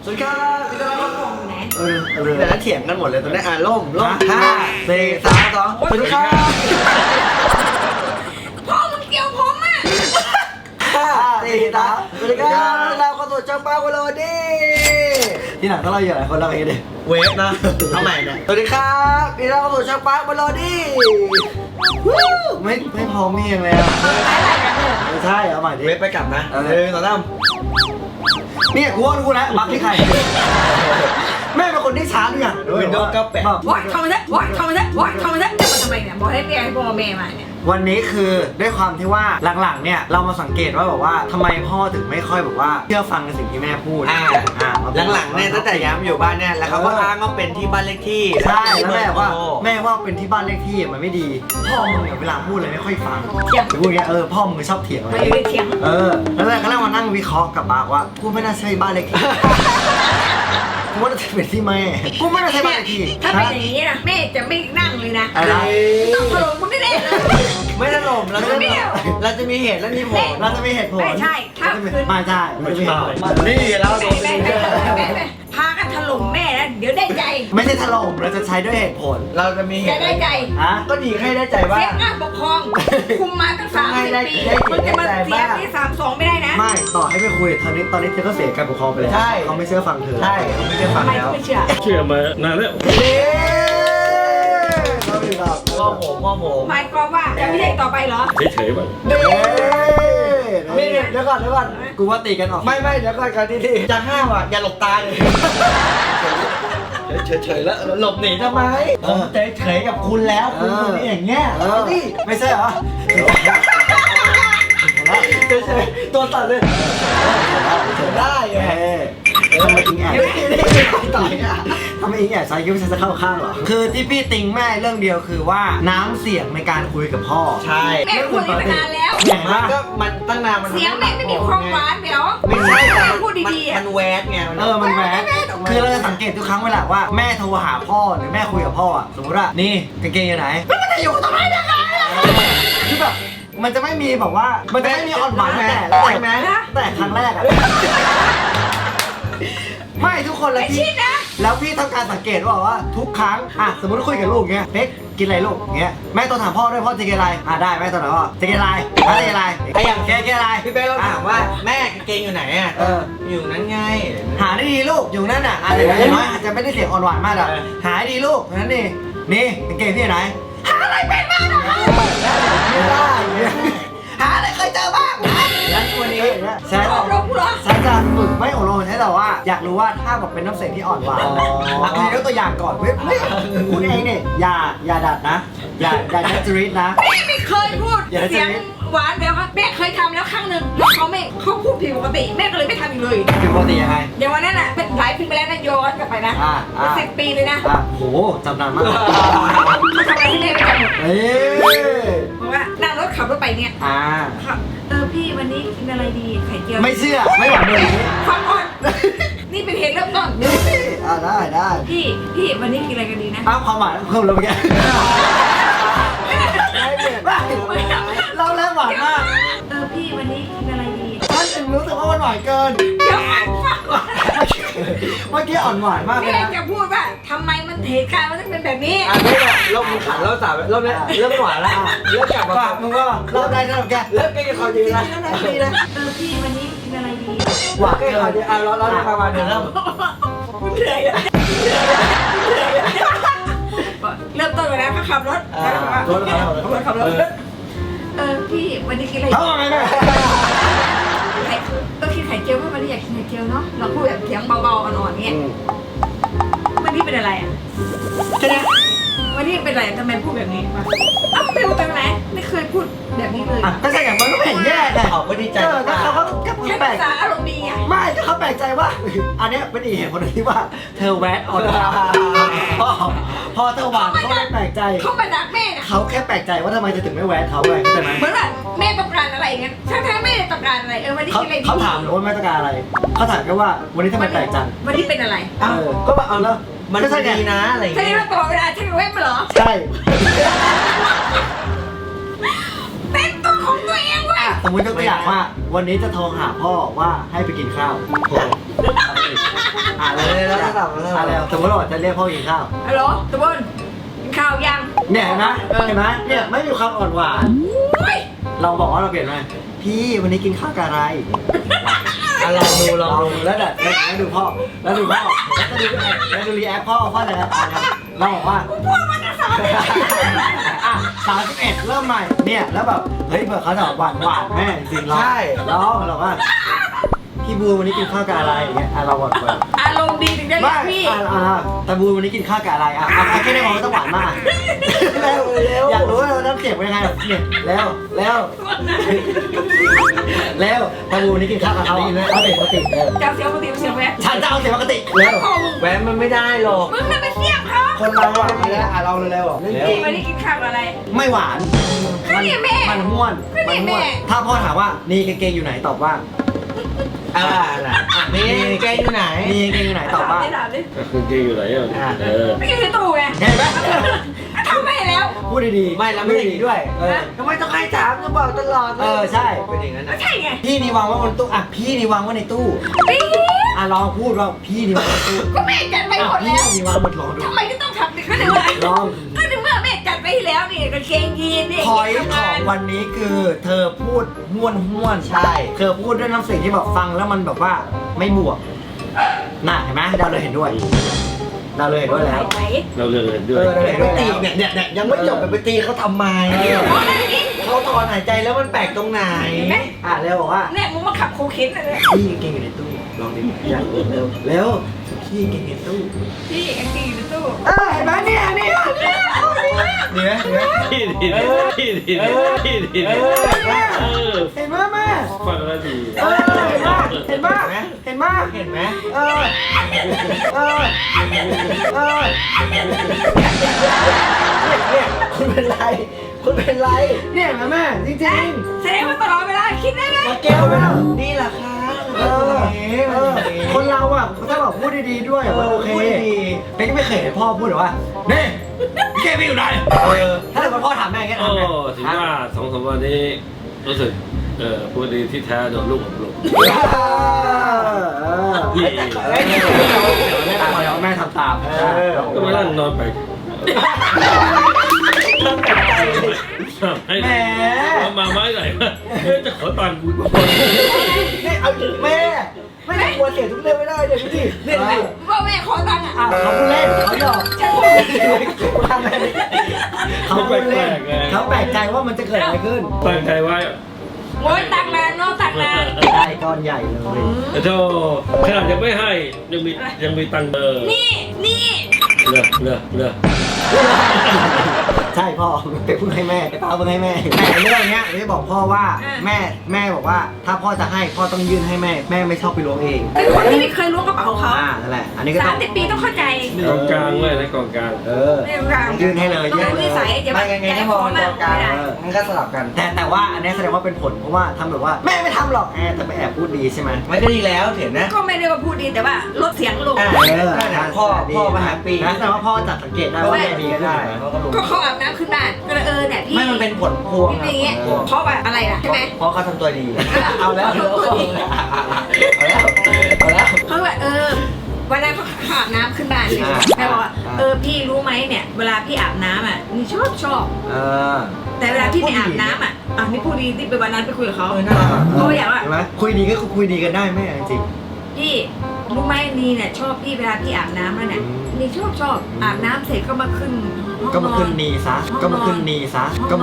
วัสดีครับพี่ต้อนรับครับไหนแต่ละเถียงกันหมดเลยตอนนี้ล่ม5 4 3 2สวัสดีครับพ่อมึงเกี่ยวผมอ่ะ 5 4 3สวัสดีครับเราเข้าสู่ช่องป้าโคโลดี้ที่ไหนต้องเราอยู่หลายคนเราเองดิเวฟนะทำไมเนี่ยสวัสดีครับนี่เราเข้าสู่ช่องป้าโคโลดี้ไม่พอมีเองเลยอ่ะไม่ใช่เอาใหม่ดิเวฟไปกลับนะต่อตั้มเนี่ยกูว่ากูนะบักที่ใครแม่เป็นคนที่ช้าด้วยอ่ะวินโดว์98 วัดเข้ามาซะวัดเข้ามาซะวัดเข้ามาซะจะมาทำไมเนี่ยบอกให้เรียกให้พ่อแม่มาเนี่ยวันนี้คือด้วยความที่ว่าหลังๆเนี่ยเรามาสังเกตว่าแบบว่าทำไมพ่อถึงไม่ค่อยแบบว่าเชื่อฟังในสิ่งที่แม่พูดหลังๆเนี่ยตั้งแต่ย้ายมาอยู่บ้านเนี่ยแล้วเขาก็อ้างว่าเป็นที่บ้านเลขที่ใช่แล้วแม่ว่าเป็นที่บ้านเลขที่มันไม่ดีพ่อมึงเนี่ยเวลาพูดอะไรไม่ค่อยฟังพูดอย่างเงี้ยพ่อมึงชอบเถียงอะไรไม่เถียงแล้วแรกก็มานั่งวิเคราะห์กับปากว่ากูไม่น่าใช่บ้านเลขที่กูว่าจะเป็นที่แม่กูไม่น่าใช่บ้านเลขที่ถ้าเป็นอย่างนี้นะแม่จะไม่นั่งเลยนะต้องถล่มมึงได้เลยไม่ถล่มเราจะมีเหตุและมีผลเราจะมีเหตุผลไม่ใช่ถ้าคืนไม่ใช่ไม่ใช่นี่แล้วโดนพากันถล่มแม่นะเดี๋ยวได้ใจไม่ใช่ถล่มเราจะใช้ด้วยเหตุผลเราจะมีเหตุได้ใจก็ดีให้ได้ใจว่าเสียงปกครองคุมมาตั้ง30 ปีมันจะมาเสียที่32ไม่ได้นะไม่ต่อให้ไปคุยตอนนี้เธอก็เสียการปกครองไปแล้วเขาไม่เชื่อฟังเธอใช่เขาไม่เชื่อฟังแล้วไม่เชื่อมานานแล้วพ่อผมหมายความว่าจะไม่ใช่ต่อไปเหรอเฉยๆบ้างเดี๋ยวก่อนกูว่าตีกันออกไม่เดี๋ยวก่อนที่จะห้ามอ่ะอย่าหลบตาเลยเฉยแล้วหลบหนีทำไมผมเฉยกับคุณแล้วคุณคนนี้อย่างเงี้ยนี่ไม่ใช่เหรอเฉยตัวตัดเลยได้ไงทำไมอิงแอบต่อยอ่ะทำไมอิงแอบใส่คิ้วจะเข้าข้างเหรอคือที่พี่ติงแม่เรื่องเดียวคือว่าน้ำเสียงในการคุยกับพ่อใช่แม่คุยมานานแล้วมันตั้งนานเสียงแม่ไม่มีความหวานเดี๋ยวไม่ใช่พูดดีๆมันแวดไงมันแวดคือเราจะสังเกตทุกครั้งเวลาว่าแม่โทรหาพ่อหรือแม่คุยกับพ่อสมมติว่านี่กางเกงอยู่ไหนมันจะอยู่ตรงไหนยังไงคือแบบมันจะไม่มีแบบว่ามันจะไม่มีอ่อนหวานแต่ครั้งแรกอะไม่ทุกคนเลยพี่แล้วพี่ทำการสังเกตว่าทุกครั้งสมมติคุยกับลูกเงี้ยเฮ้ยกินอะไรลูกเงี้ยแม่ต้องถามพ่อด้วยพ่อจะกินอะไรได้แม่ต้องถามพ่อจะกินอะไรจะกินอะไรอย่างแกกินอะไรพี่เป้เราถามว่าแม่กางเกงอยู่ไหนอ่ะอยู่นั้นไงหาดีลูกอยู่นั่นอ่ะอะไรน้อยอาจจะไม่ได้เสียงอ่อนหวานมากหรอกหาดีลูกนั้นนี่กางเกงที่ไหนหาอะไรเป็นบ้างไม่ได้หาอะไรเคยเจอบ้างแล้ววันนี้ฉันจะฝึกไม่อบรมใช่แต่ว่าอยากรู้ว่าถ้าแบบเป็นน้ำเสียงที่อ่อนหวานมียกตัวอย่างก่อนไม่คุณเองเนี่ยอย่าดัดนะอย่าดัดจริตนะไม่เคยพูดเสียงหวานเดี๋ยวครับแม่เคยทำแล้วครั้งหนึ่งแล้วเขาพูดผิดปกติแม่ก็เลยไม่ทำอีกเลยผิดปกติยังไงอย่างวันนั้นอ่ะเป็นหลายปีไปแล้วนะย้อนกลับไปนะ10 ปีเลยนะโหจำนานมากเขาทำอะไรให้แม่ไม่จำหมดเพราะว่านั่งรถขับรถไปเนี่ยพี่วันนี้กินอะไรดีไข่เจียวไม่เชื่อไม่หวานเลยฟังก่อนนี่เป็นเหตุเริ่มต้นได้พี่วันนี้กินอะไรกันดีนะความหวานคุณเราไปแกเราเริ่มหวานมากพี่วันนี้กินอะไรดีฉันถึงรู้สึกว่ามันหวานเกินเดี๋ยวฟังก่อนเมื่อกี้อ่อนหวานมากเลยนะจะพูดว่าทำไมมันเหตุการณ์มันต้องเป็นแบบนี้เรามีขันเราสาบเราเนี่ยเริ่มหวานแล้วเริ่มกลับมามึงก็เราได้แล้วแกเริ่มใกล้กับเขาดีนะพี่วันนี้กินอะไรดีหวานเกินเราประมาณเดือนแล้วเหนื่อยเริ่มต้นไปแล้วก็ขับรถขับรถพี่วันนี้กินอะไรก็กินไข่เจียวเพราะวันนี้อยากกินไข่เจียวเนาะเราพูดแบบเสียงเบาๆอ่อนๆเงี้ยวันนี้เป็นอะไรอ่ะวันนี้เป็นอะไรทำไมพูดแบบนี้วะเป็นแบบไหนไม่เคยพูดแบบนี้เลยก็ใช่อย่างมันก็ไม่เห็นแย่เลยเขาก็ดีใจเขาก็แค่ภาษาอารมณ์ดีไงไม่ก็เขาแปลกใจว่าอันนี้เป็นอีกเหตุผลที่ว่าเธอแวะออนพอเธอหวานเขาไม่แปลกใจเขามาดักแม่นะเขาแค่แปลกใจว่าทำไมจะถึงไม่แวะเขาเลยเข้าใจไหมเหมือนแบบแม่ต้องการอะไรเงี้ยถ้าแม่ต้องการอะไรวันนี้กินอะไรเขาถามหรือว่าแม่ต้องการอะไรเขาถามแค่ว่าวันนี้ทำไมแปลกจังวันนี้เป็นอะไรก็แบบเอาแล้วมันก็ดีนะอะไรใช่ไหมตลอดเวลาใช่ไหมมาเหรอใช่เป็นตัวของตัวเองเว้ยสมมติยกตัวอย่างว่า วันนี้จะโทรหาพ่อว่าให้ไปกินข้าวเลยแล้วสมมติว่าจะเรียกพ่อกินข้าวฮัลโหลตะบนกินข้าวยังเนี่ยเห็นไหมเนี่ยไม่มีความอ่อนหวานเราบอกว่าเราเปลี่ยนไหมพี่วันนี้กินข้าวกับอะไรลองดูแล้วเดี๋ยวดูพ่อแล้วดูรีแอคพ่อจะเราบอกว่าพ่อมันจะ31เริ่มใหม่เนี่ยแล้วแบบเฮ้ยเผื่อเขาจะหวานแม่จริงๆใช่ร้องเราว่าพี่บูวันนี้กินข้าวกับอะไรอย่างเงี้ยเราบอกว่าอารมณ์ดีถึงได้พี่แต่บูวันนี้กินข้าวกับอะไรแค่ได้บอกว่าต้องหวานมากอยากรู้ว่าเราต้องเจ็บเป็นยังไงเนี่ยแล้วแต่บูวันนี้กินข้าวกับเขาเอาเด็กปกติเจ้าเสียงปกติเสียงแหวนฉันจะเอาเสียงปกติแล้วแหวนมันไม่ได้หรอกมึงน่ะไปเสียบเขาคนเราหวานแล้วเราเร็วๆวันนี้กินข้าวอะไรไม่หวานมันห้วนถ้าพ่อถามว่านี่กางเกงอยู่ไหนตอบว่านี่เกงอยู่ไหนตอบว่าคือเกงอยู่ไหนไม่กินในตู้ไงเห็นไหมทำไม่แล้วพูดดีๆไม่แล้วไม่ดีด้วยทำไมต้องให้ถามต้องบอกตลอดใช่เป็นอย่างนั้นนะใช่ไงพี่นี่วางไว้บนตู้พี่นี่วางไว้ในตู้ลองพูดว่าพี่นี่วางในตู้ก็แม่จัดไปหมดแล้วพี่นี่วางบนหลอดทำไมก็ต้องทำก็ในเมื่อลองก็ในเมื่อแม่จัดไปแล้วนี่กางเกงยีนนี่พอยของวันนี้คือเธอพูดห้วนใช่เธอพูดด้วยน้ำเสียงที่แบบฟังแล้วมันแบบว่าไม่บวกน่ะเห็นไหมเราเลยเห็นด้วยแล้วเราเลยเห็นด้วยไปตีเนี่ยยังไม่จบไปตีเขาทำไมเขาถอนหายใจแล้วมันแปลกตรงไหนเร็วบอกว่าเนี่ยมึงมาขับโคเคนเลยพี่เก่งอยู่ในตู้ลองดิเร็วพี่เก่งในตู้พี่เก่งอยู่ในตู้เห็นไหมเนี่ยดีไหมพี่ดีเห็นไหมแม่ฟังแล้วดีเห็นไหมคุณเป็นไรเนี่ยแม่จริงๆแสดงว่าตลอดเวลาคิดได้ไหมแก้วนี่แหละค่ะคนเราถ้าแบบพูดดีๆด้วยมันโอเคเป็นก็ไม่เคยเห็นพ่อพูดหรอว่านี่แกไม่อยู่ไหนถ้าเกิดพ่อถามแม่แค่ถามแม่ถึงว่า2-3 วันนี้รู้สึกพูดดีที่แท้โดนลูกผมลุกแม่ทำตามก็มานั่งนอนไปแม่มาไม้ไหนจะขอตังค์กูก่อนเอาแม่ไม่ได้ควรเสียทุกเรื่องไม่ได้เลยพี่เนี่ยว่าแม่ขอตังค์เขาพูดเล่นเขาหยอกเขาแปลกใจว่ามันจะเกิดอะไรขึ้นตั้งใจไว้โอ้ยตังนานเนาะตังนานได้ก้อนใหญ่เลยโธ่ขนาดยังไม่ให้ยังมีตังค์นี่เลือกใช่พ่อไปพูดให้แม่ป้าพูดให้แม่แต่เรื่องเนี้ยไม่บอกพ่อว่าแม่บอกว่าถ้าพ่อจะให้พ่อต้องยื่นให้แม่ไม่ชอบไปล้วงเองเป็นคนที่ไม่เคยล้วงกระเป๋าเขานั่นแหละอันนี้ก็ 30 ปีต้องเข้าใจกองกลางเลยนะกองกลางยื่นให้เลยยื่นนิสัยจะไม่ไงถ้ามองกองกลางมันก็สลับกันแต่ว่าอันนี้แสดงว่าเป็นผลเพราะว่าทำแบบว่าแม่ไม่ทำหรอกแต่ไปแอบพูดดีใช่ไหมไม่ก็ดีแล้วเห็นนะก็ไม่ได้ว่าพูดดีแต่ว่าลดเสียงลงพ่อมาหาปีนะแต่ว่าพ่อจัดสังเกตได้ว่าแม่ดีก็ได้ก็เขาอาบน้ำขึ้นบ้านก็เนี่ยพี่ไม่มันเป็นผลพวงเพราะว่าอะไรล่ะใช่ไหมเพราะเขาทำตัวดีเอาแล้วเพราะว่าวันนั้นเขาอาบน้ำขึ้นบ้านเลยแม่บอกว่าพี่รู้ไหมเนี่ยเวลาพี่อาบน้ำนี่ชอบแต่เวลาพี่ไม่อาบน้ำนี่พูดดีที่ไปวันนั้นไปคุยกับเขาเขาอยากว่าคุยดีก็คุยดีกันได้แม่จริงพี่รู้ไหมนี่เนี่ยชอบพี่เวลาพี่อาบน้ำแล้วเนี่ยนี่ชอบอาบน้ำเสร็จก็มาขึ้นนีซะก็มาขึ้นนีซะ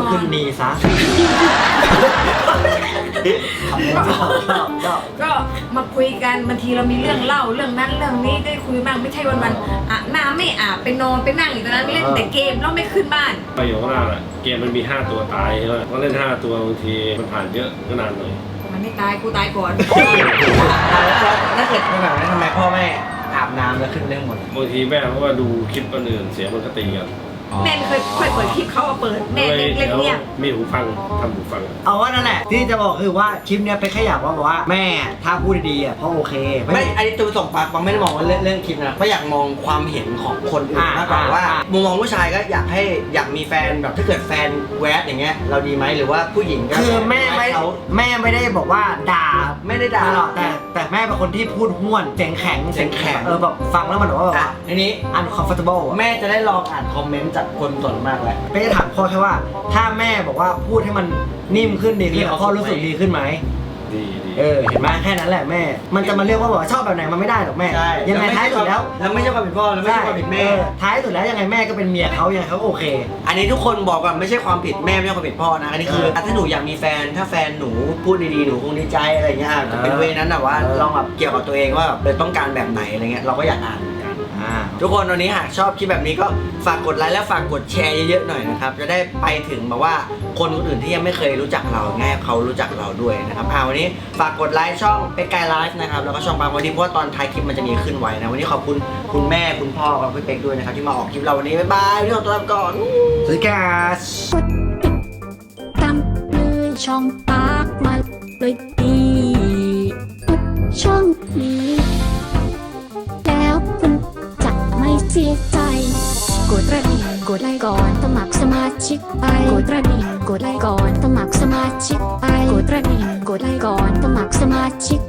ก็มาคุยกันบางทีเรามีเรื่องเล่าเรื่องนั้นเรื่องนี้ได้คุยบ้างไม่ใช่วันอาบน้ำไม่อาบไปนอนไปนั่งอยู่ตรงนั้นเล่นแต่เกมแล้วไม่ขึ้นบ้านไปอยู่ข้างล่างเกมมันมี5 ตัวตายใช่ไหมก็เล่น5 ตัวบางทีมันผ่านเยอะก็นานเลยมันไม่ตายกูตายก่อนถ้าเกิดเป็นแบบนั้นทำไมพ่อแม่อาบน้ำแล้วขึ้นเรื่องหมดบางทีแม่เพราะว่าดูคลิปคนอื่นเสียมันก็ตีกันแม่ไม่เคยค่อยเปิดคลิปเขาเอาเปิดแม่เล็กๆเนี่ยมีหูฟังทำหูฟังเอาว่านั่นแหละที่จะบอกคือว่าคลิปเนี้ยเป็นแค่อยากว่าบอกว่าแม่ถ้าพูดดีๆอ่ะพ่อโอเคไม่อันนี้ตัวส่งปากบางไม่ได้มองว่าเรื่องคลิปนะเพราะอยากมองความเห็นของคนอื่นมากกว่าว่ามุมมองผู้ชายก็อยากมีแฟนแบบถ้าเกิดแฟนแวดอย่างเงี้ยเราดีไหมหรือว่าผู้หญิงก็คือแม่เขาไม่ได้บอกว่าด่าไม่ได้ด่าตลอดแต่แม่เป็นคนที่พูดห้วนเสียงแข็งเสียงแข็งแบบฟังแล้วมันแบบว่าอ่ะทีนี้ uncomfortable อะแม่จะได้ลองอ่านคอมเมนต์จากคนส่วนมากแล้วไม่ได้ถามพ่อแค่ว่า ถ้าแม่บอกว่าพูดให้มันนิ่มขึ้นดีขึ้นพ่อรู้สึกดีขึ้นไหมดีเห็นไหมแค่นั้นแหละแม่ มันจะมาเรียกว่าบอกว่าชอบแบบไหนมันไม่ได้หรอกแม่ใช่ยังไงท้ายสุดแล้วแล้วไม่ใช่ความผิดพ่อแล้วไม่ใช่ความผิดแม่ท้ายสุดแล้วยังไงแม่ก็เป็นเมียเขายังไงเขาโอเคอันนี้ทุกคนบอกก่อนไม่ใช่ความผิดแม่ไม่ใช่ความผิดพ่อนะอันนี้คือถ้าหนูอยากมีแฟนถ้าแฟนหนูพูดดีๆหนูคงดีใจอะไรเงี้ยจะเป็นเวนั้นแต่ว่าลองแบบเกี่ยวกับตัวเองว่าแบบต้องการแบบไหนอะไรเงี้ยเราก็อยากอ่านเหมือนกันทุกคนวันนี้หากชอบคลิปแบบนี้ก็ฝากกดไลค์และฝากกดแชร์เยอะๆหน่อยนะครับจะได้ไปถึงแบบว่าคนอื่นที่ยังไม่เคยรู้จักเราง่ายเขารู้จักเราด้วยนะครับวันนี้ฝากกดไลค์ช่องเป็กไกไลฟ์นะครับแล้วก็ช่องปางวันนี้เพราะว่าตอนท้ายคลิปมันจะมีขึ้นไว้นะวันนี้ขอบคุณคุณแม่คุณพ่อกับพี่เป็กด้วยนะครับที่มาออกคลิปเราวันนี้บ๊ายบายพี่ขอตัวลาไปก่อนสวัสดีครับตามเลยช่องปากมาเลยดีทุกช่องนี้ แล้วคุณจะไม่เสียใจกดกระดิ่งกดไลค์ก่อนสมัครสมาชิกไปกดกระดิ่งกดไลค์ก่อนสมัครสมาชิกไปกดกระดิ่งกดไลค์ก่อนสมัครสมาชิก